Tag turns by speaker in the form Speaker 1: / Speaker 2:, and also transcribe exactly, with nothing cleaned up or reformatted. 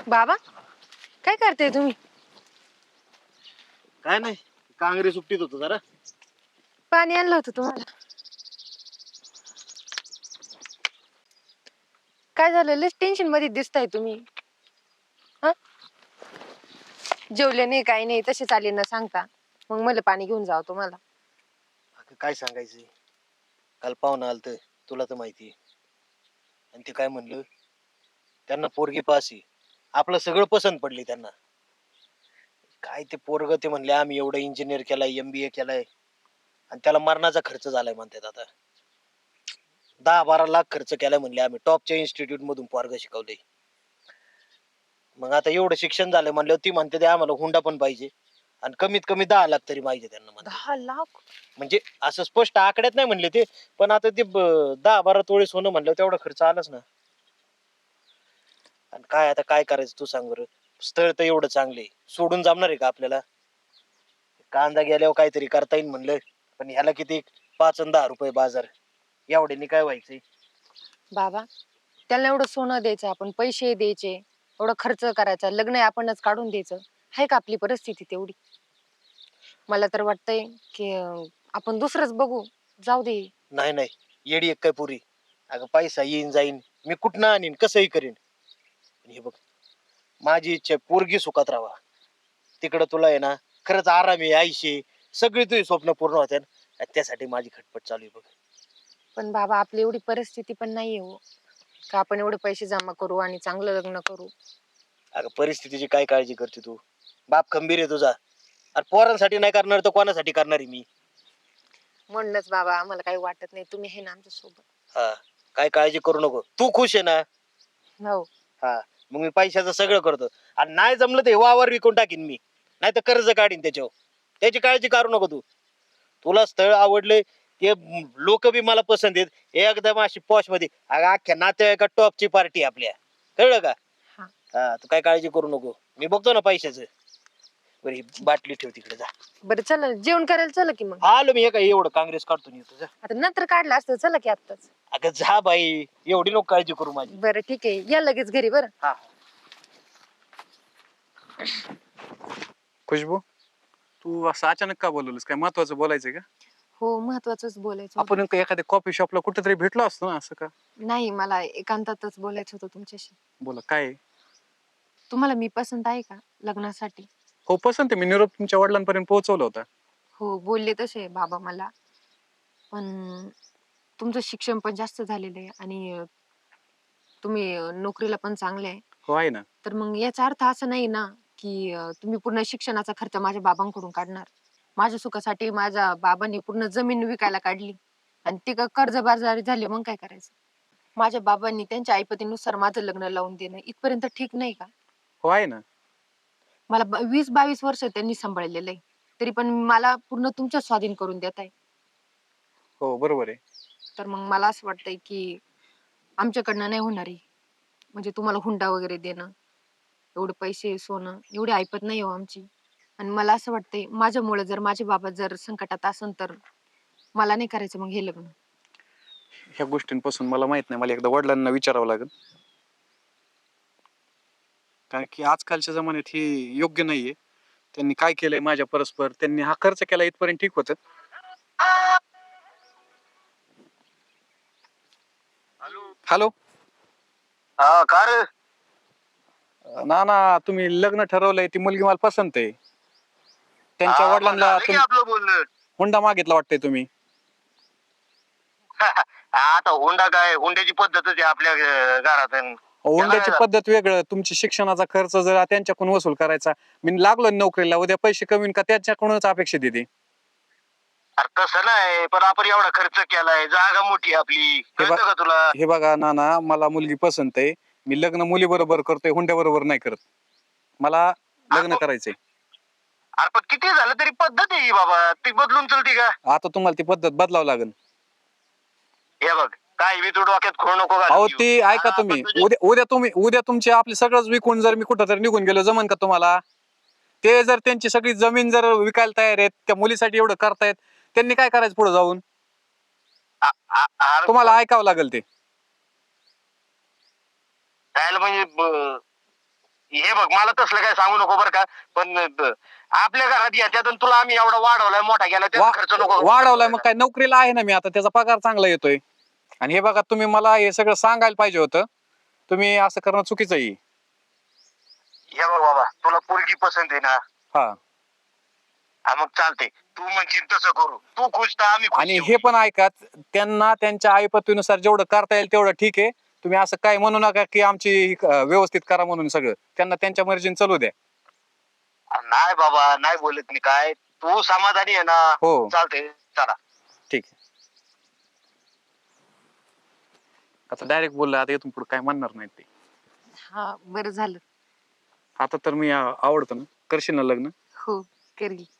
Speaker 1: बाबा काय करते तुम्ही?
Speaker 2: काय नाही, कांगरी सुट्टीत होतो जरा.
Speaker 1: पाणी आणलं होतं तुम्हाला. काय झालं? लस टेन्शन मध्ये दिसताय तुम्ही. हा, जेवले नाही काही नाही, तसे चाले न सांगता मग मला पाणी घेऊन जावं तुम्हाला.
Speaker 2: अगं काय सांगायचं, काल पाहुणा आलत, तुला तर माहिती. आणि ते काय म्हणलं, त्यांना पोरगी पासी, आपलं सगळं पसंत पडली त्यांना. काय ते पोरग ते म्हणले आम्ही एवढं इंजिनियर केलाय, एमबीए केलाय, आणि त्याला मरणाचा खर्च झालाय म्हणतात. आता दहा बारा लाख खर्च केलाय म्हणले, आम्ही टॉपच्या इन्स्टिट्यूट मधून पोरग शिकवलंय. मग आता एवढं शिक्षण झालंय म्हणल्यावर ती म्हणते ते आम्हाला हुंडा पण पाहिजे, आणि कमीत कमी दहा लाख तरी पाहिजे त्यांना म्हणते.
Speaker 1: दहा लाख?
Speaker 2: म्हणजे असं स्पष्ट आकड्यात नाही म्हणले ते, पण आता ते ब- दहा बारा तोळे सोनं म्हणलं तेवढा खर्च आलाच ना. आणि काय आता काय करायचं तू सांग बरं. स्थळ तर एवढं चांगले, सोडून जमणार आहे का आपल्याला? कांदा गेल्यावर काहीतरी करता येईल म्हणलं, पण ह्याला किती पाच आणि दहा रुपये बाजार, एवढ्यानी काय व्हायचंय?
Speaker 1: बाबा त्याला एवढं सोनं द्यायचं, आपण पैसे द्यायचे, एवढं खर्च करायचा, लग्न आपणच काढून द्यायचं, आहे का आपली परिस्थिती तेवढी? मला तर वाटतंय की अं, आपण दुसरंच बघू, जाऊ दे.
Speaker 2: नाही नाही, येडी एक काय पुरी. अगं पैसा येईन जाईन, मी कुठनं आणीन, कसंही करीन. पण हे बघ, माझी इच्छा आहे, पोरगी सुखात राहावा. तिकडं तुला आहे ना खरंच आराम आहे, आयुष्य, सगळी तुझी स्वप्न पूर्ण होते, त्यासाठी माझी खटपट चालू आहे बघ.
Speaker 1: पण बाबा आपली एवढी परिस्थिती पण नाहीये हो, का आपण एवढे पैसे जमा करू आणि चांगलं लग्न करू.
Speaker 2: अगं परिस्थितीची काय काळजी करते तू? बाप खंबीर आहे तुझा. अरे पोरांसाठी नाही करणार तर कोणासाठी करणार आहे मी?
Speaker 1: म्हणूनच बाबा आम्हाला काही वाटत नाही, तुम्ही आहे ना आमच्या सोबत.
Speaker 2: हा, काय काळजी करू नको, तू खुश आहे ना?
Speaker 1: हो.
Speaker 2: हा, मग मी पैशाचं सगळं करतो, आणि नाही जमलं तर हे वावर विकून टाकीन मी, नाही तर कर्ज काढीन त्याच्यावर. त्याची काळजी करू नको तू. तुला स्थळ आवडले, ते लोक बी मला पसंत आहेत, एकदम अशी पॉश मध्ये. अगं अख्ख्या नातेवाईका टॉपची पार्टी आपल्या, कळलं का?
Speaker 1: हा.
Speaker 2: हा, तू काय काळजी करू नको, मी बघतो ना पैशाचं. बरं ही बाटली ठेव तिकडे, जा.
Speaker 1: बरं चला जेवण करायला, चला की मग.
Speaker 2: आलो मी, हे काय एवढं काँग्रेस काढतो येतो, जा.
Speaker 1: आता नंतर काढलं असतं, चला की आत्ताच.
Speaker 2: अगं जा बाई, एवढी नको काळजी करू माझी.
Speaker 1: बरं ठीक आहे, या लगेच घरी. बरं.
Speaker 2: हा.
Speaker 3: खुशबू, तू असं अचानक का बोलवलंस? काय महत्वाचं बोलायचंय का?
Speaker 1: हो, महत्वाचंच बोलायचं होतं.
Speaker 3: आपण नेमकं एखाद्या कॉफी शॉपला कुठेतरी भेटलो असतो ना, असं का?
Speaker 1: नाही, मला एकांतातच बोलायचं होतं तुमच्याशी.
Speaker 3: बोला, काय आहे?
Speaker 1: तुम्हाला मी पसंत आहे का लग्नासाठी?
Speaker 3: हो पसंत आहे, मी निरोप तुमच्या वडिलांपर्यंत पोहोचवला होता.
Speaker 1: हो, बोलले तसे बाबा मला, पण तुमचं शिक्षण पण जास्त झालेलं आहे आणि अं, तुम्ही अं, नोकरीला पण चांगले आहे.
Speaker 3: हो आहे ना.
Speaker 1: तर मग याचा अर्थ असा नाही ना की अं, तुम्ही पूर्ण शिक्षणाचा खर्च माझ्या बाबांकडून काढणार. माझ्या सुखासाठी माझ्या बाबांनी पूर्ण जमीन विकायला काढली आणि ती कर्जबाजारी झाली, मग काय करायचं? माझ्या बाबांनी त्यांच्या ऐपतीनुसार माझं लग्न लावून देणं इथपर्यंत ठीक नाही का?
Speaker 3: हो आहे ना.
Speaker 1: मला ब- वीस बावीस वर्ष त्यांनी सांभाळलेलं आहे, तरी पण मला पूर्ण तुमच्या स्वाधीन करून देत आहे.
Speaker 3: हो बरोबर आहे.
Speaker 1: तर मग मला असं वाटतंय की आमच्याकडनं नाही होणार आहे, म्हणजे तुम्हाला हुंडा वगैरे देणं, एवढे पैसे सोनं एवढी ऐपत नाही हो आमची. आणि मला असं वाटतंय माझ्यामुळे जर माझे बाबा जर संकटात असन तर मला नाही करायचं मग हे लग्न.
Speaker 3: ह्या गोष्टींपासून मला माहित नाही, मला एकदा वडिलांना विचारावं लागेल, कारण की आजकालच्या जमान्यात ही योग्य नाहीये. त्यांनी काय केलंय माझ्या परस्पर, त्यांनी हा खर्च केला इथपर्यंत ठीक होतं. हॅलो.
Speaker 2: हा का रे?
Speaker 3: ना ना, तुम्ही लग्न ठरवलंय, ती मुलगी मला पसंत आहे. त्यांच्या
Speaker 2: हा, मग
Speaker 3: वडिलांना
Speaker 2: झालं की
Speaker 3: तुम-
Speaker 2: आपलं बोलणं.
Speaker 3: हुंडा मागितला वाटतंय तुम्ही.
Speaker 2: आता हुंडा काय, हुंड्याची पद्धतच आहे आपल्या अं, घरात. अन
Speaker 3: हुंड्याची
Speaker 2: त्याला-
Speaker 3: पद्धत वेगळं, तुमची शिक्षणाचा खर्च जर त्यांच्याकडून वसूल करायचा, मी लागलो ना नोकरीला, उद्या पैसे कमी का त्याच्याकडूनच अपेक्षित येते.
Speaker 2: अरे तसं नाही, पण आपण एवढा खर्च केलाय, जागा मोठी आहे आपली, कळतं का तुला?
Speaker 3: हे बघा नाना, मला मुलगी पसंत आहे, मी लग्न मुली बरोबर करतोय, हुंड्या बरोबर नाही करत. मला लग्न
Speaker 2: आपण-
Speaker 3: करायचंय.
Speaker 2: अरे पण किती झालं तरी पद्धत आहे ही बाबा, ती बदलून चलती का?
Speaker 3: आता तुम्हाला ती पद्धत बदलावं लागेल.
Speaker 2: हे बघ, काय मी तू डोक्यात खोड नको घालून
Speaker 3: अहो
Speaker 2: घेऊ.
Speaker 3: ती ऐका
Speaker 2: हा,
Speaker 3: तुम्ही,
Speaker 2: पण तुझे-
Speaker 3: उद्या उद्या तुम्ही उद्या तुमचे आपले सगळंच विकून जर मी कुठं तरी निघून गेलो, जमन का तुम्हाला? ते जर त्यांची सगळी जमीन जर विकायला तयार आहेत, त्या मुलीसाठी एवढं करतायत, त्यांनी काय करायचं पुढे जाऊन?
Speaker 2: आ- आ- अरे
Speaker 3: तुम्हाला
Speaker 2: पण-
Speaker 3: ऐकावं लागेल ते.
Speaker 2: त्याला म्हणजे ब- हे बघ मला तसलं काय सांगू नको बरं का, पण ब- आपल्या घरात याच्यात तुला आम्ही एवढा वाढवलाय मोठा गेला त्याचा खर्च नको
Speaker 3: वा- वाढवलाय मग काय, नोकरीला आहे ना मी आता, त्याचा पगार चांगला येतोय. आणि हे बघा तुम्ही मला हे सगळं सांगायला पाहिजे होतं, तुम्ही असं करणं चुकीचं आहे.
Speaker 2: हे बघ बाबा तुला पोरगी पसंत आहे ना,
Speaker 3: हा.
Speaker 2: हा मग चालते, तू म्हणशील तसं करू, तू खुश तर आम्ही खुश
Speaker 3: आणि
Speaker 2: शेवटी.
Speaker 3: हे पण ऐका, त्यांना त्यांच्या आईपतीनुसार जेवढं करता येईल तेवढं ठीक आहे. तुम्ही असं काय म्हणू नका की आमची अं, व्यवस्थित करा म्हणून, सगळं त्यांना त्यांच्या मर्जीने चालू द्या.
Speaker 2: नाही बाबा नाही बोलत मी काय, तू समाधानी आहे ना.
Speaker 3: हो.
Speaker 2: चालते चला.
Speaker 3: ठीक आहे. आता डायरेक्ट बोललं, आता इथून पुढे काय म्हणणार नाही ते.
Speaker 1: हा बरं झालं.
Speaker 3: आता तर मी अं, आवडतो ना, करशील ना लग्न?
Speaker 1: हो करील.